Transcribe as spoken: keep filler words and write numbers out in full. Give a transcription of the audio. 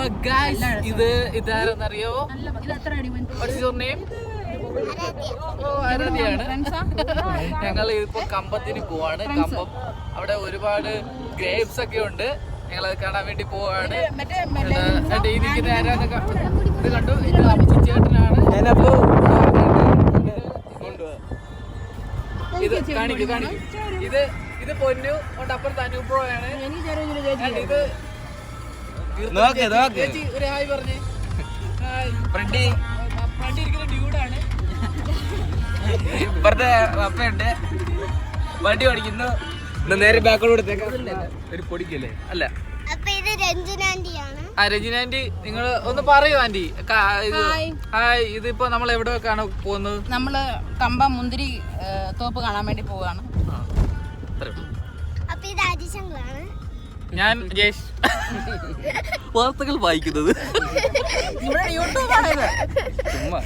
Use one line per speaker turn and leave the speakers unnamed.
Guys ഇത് ഇതാരെന്നറിയോ? What's your name? ഓ ആരാധ്യയാണ്. ഞങ്ങൾ ഇപ്പൊ കമ്പത്തിന് പോവാണ്. കമ്പം അവിടെ ഒരുപാട് ഗ്രേപ്സ് ഒക്കെ ഉണ്ട്. ഞങ്ങളത് കാണാൻ വേണ്ടി പോവാണ്. ഈ നിൽക്കുന്ന ആരാന്ന് ഇത് കണ്ടു. ഇത് അപ്പു ചേട്ടനാണ്. ഇത് കാണിക്കൂ കാണിക്കൂ. ഇത് ഇത് പൊന്നു കൊണ്ട് അപ്പുറത്ത് അനുപ്രോയാണ്. ഇത് ചേച്ചി ഒരു ഹായ് പറഞ്ഞേ. ഫ്രണ്ടി ഫ്രണ്ടി ഇരിക്കുന്ന ഡ്യൂഡാണ്.
ഇപ്പുറത്തെ അപ്പയുണ്ട്, വണ്ടി ഓടിക്കുന്നു. നേരെ ബാക്കോട് കൊടുത്തേക്കാം. ഒരു പൊടിക്കല്ലേ? അല്ല,
ആ രഞ്ജിന ആന്റി, നിങ്ങൾ ഒന്ന് പറയൂ ആന്റി. ഹായ്. ഇതിപ്പോ നമ്മൾ എവിടെയൊക്കെയാണ് പോകുന്നത്?
നമ്മള് കമ്പം മുന്തിരി തോപ്പ് കാണാൻ വേണ്ടി പോവാണ്.
ഞാൻ ജേഷ്, വാർത്തകൾ വായിക്കുന്നത്.
യൂട്യൂബാണ്.